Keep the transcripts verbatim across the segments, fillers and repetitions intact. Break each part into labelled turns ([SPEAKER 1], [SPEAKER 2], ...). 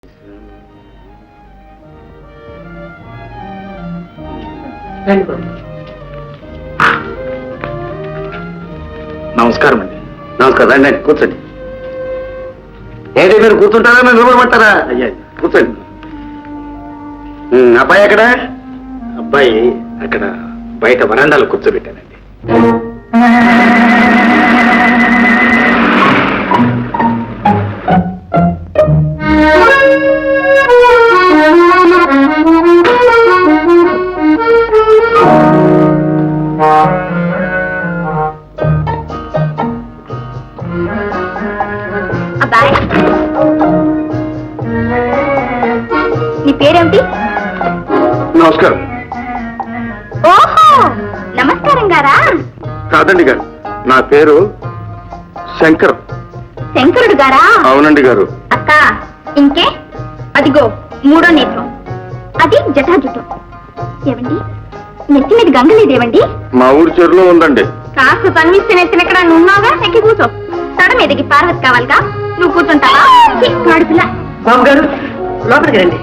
[SPEAKER 1] నమస్కారం అండి. నమస్కారం. రండి అండి, కూర్చోండి. ఏంటి మీరు కూర్చుంటారా మీరు నిలబడమంటారా? అయ్యా కూర్చోండి. అబ్బాయి ఎక్కడ? అబ్బాయి అక్కడ బయట వరండాలో కూర్చోబెట్టానండి.
[SPEAKER 2] నీ పేరేమిటి?
[SPEAKER 1] నమస్కారం.
[SPEAKER 2] ఓహో, నమస్కారం గారా?
[SPEAKER 1] కాదండి గారు, నా పేరు శంకర్.
[SPEAKER 2] శంకరుడు గారా?
[SPEAKER 1] అవునండి గారు.
[SPEAKER 2] అక్క, ఇంకే అదిగో మూడో నేత్రం, అది జటాజుటం. ఏవండి, నెత్తి మీద గంగ లేదేవండి?
[SPEAKER 1] మా ఊరి చెరువులో ఉందండి.
[SPEAKER 2] కాస్త తన్విస్తే నెత్తిన ఎక్కడ ఉన్నావుగా, ఎక్కి కూర్చో. తడ మీదకి పార్వతి కావాలిగా, నువ్వు కూర్చుంటావా? కాడుపిల్ల.
[SPEAKER 3] బాబు గారు లోపలికి రండి.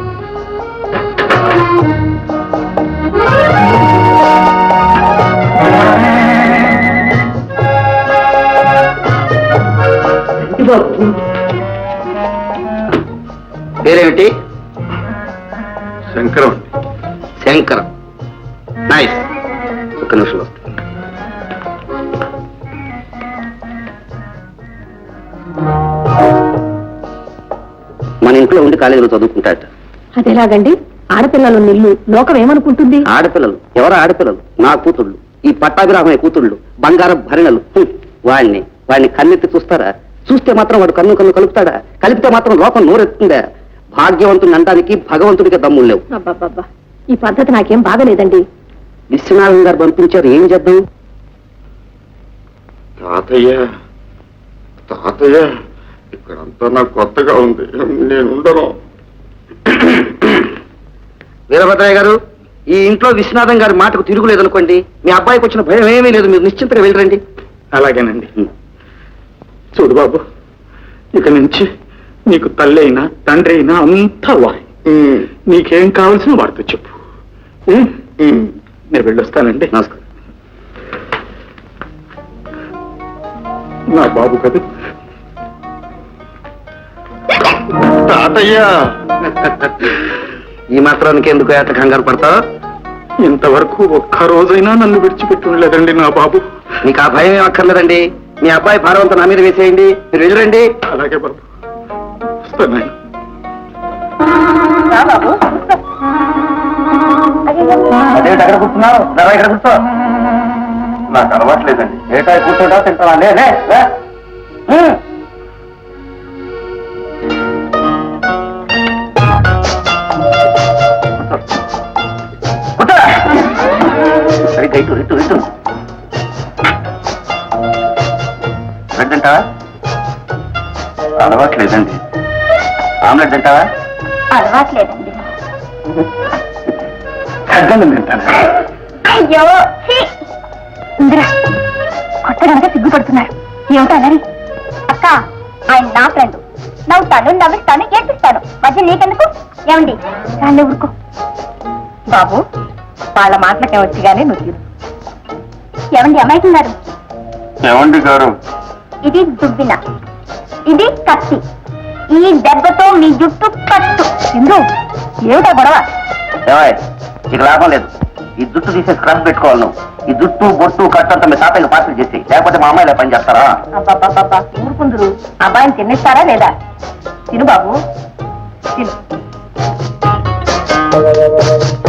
[SPEAKER 1] పేరేమిటి? శంకరం. శంకరం, నైస్. ఒక్క నిమిషం వస్తుంది. మన ఇంట్లో ఉండి కాలేజీలో చదువుకుంటాట.
[SPEAKER 3] అదేలాగండి, ఆడపిల్లలు నిల్లు లోకం ఏమనుకుంటుంది?
[SPEAKER 1] ఆడపిల్లలు ఎవరు? ఆడపిల్లలు నా కూతుళ్ళు, ఈ పట్టాభిరామయ్య కూతుళ్ళు, బంగారం భరణలు. వాడిని వాడిని కన్నెత్తి చూస్తారా? చూస్తే మాత్రం వాడు కన్ను కన్ను కలుపుతాడా? కలిపితే మాత్రం లోకం నోరెత్తుందా? భాగ్యవంతుని అనడానికి భగవంతుడికి దమ్ములు లేవు.
[SPEAKER 3] అబ్బాబ్బా, ఈ పద్ధతి నాకేం బాగలేదండి.
[SPEAKER 1] విశ్వనాథం గారు పంపించారు, ఏం చేద్దాం? తాతయ్య తాతయ్య ఇక్కడంతా నాకు కొత్తగా ఉంది, నేను ఉండను. వీరభద్రయ్య గారు, ఈ ఇంట్లో విశ్వనాథం గారి మాటకు తిరుగులేదనుకోండి, మీ అబ్బాయికి వచ్చిన భయం ఏమీ లేదు, మీరు నిశ్చింతగా వెళ్ళరండి. అలాగేనండి. చూడు బాబు, ఇక నుంచి నీకు తల్లి అయినా తండ్రి అయినా అంతా వాయి. నీకేం కావాల్సిన వాడితో చెప్పు. నేను వెళ్ళొస్తానండి. నమస్కారం. నా బాబు కదా తాతయ్య. ఈ మాత్రానికి ఎందుకు ఏట కంగారు పడతావు? ఇంతవరకు ఒక్క రోజైనా నన్ను విడిచిపెట్టి ఉండలేదండి నా బాబు. నీకు ఆ భయం ఏం అక్కర్లేదండి. మీ అబ్బాయి భారవంతా నా మీద వేసేయండి, మీరు వెళ్ళరండి. అలాగే బాబు, వస్తాను. అదేంటి అక్కడ కూర్చున్నావు? ధర ఇక్కడ కూర్చో. నాకు అలవాట్లేదండి. ఏటా కూర్చోటా తింటావా? లే సరిగ్గా ఇటు ఇటు ఇటు. బ్రెడ్ తింటావా? అలవాట్లేదండి. ఆమ్లెట్ తింటావా?
[SPEAKER 2] అలవాట్లేదండి.
[SPEAKER 1] అర్థం తింటాను.
[SPEAKER 2] అయ్యో ఇందిరా, కొత్తగా సిగ్గుపడుతున్నారు. ఏమిటో అన్నది. అక్క, ఆయన నా ఫ్రెండ్. నవ్వుతాను, నవ్విస్తాను, ఏడ్పిస్తాను. మధ్య నీకెందుకు? ఏమండి దాన్ని ఊరుకో. బాబు, వాళ్ళ మాటలకే వచ్చి గానీ నువ్వు ఏమండి అమ్మాయికున్నారు?
[SPEAKER 1] ఏమండి గారు,
[SPEAKER 2] ఇది దుబ్బిన, ఇది కత్తి. ఈ దెబ్బతో మీ జుట్టు కట్టు. ఎందు ఏమిటా గొడవ?
[SPEAKER 1] ఇక లాభం లేదు. ఈ జుట్టు తీసేసి క్రష్ పెట్టుకోవాలి నువ్వు. ఈ జుట్టు బొట్టు కట్టంతా మీ తాతయ్యకి పార్సల్ చేసి, లేకపోతే మా అమ్మాయిలా పని చేస్తారా?
[SPEAKER 2] అబ్బాబ్బాబ్బా, ఊరుకుందరు. అబ్బాయిని తినేస్తారా లేదా? తిను బాబు, తిను.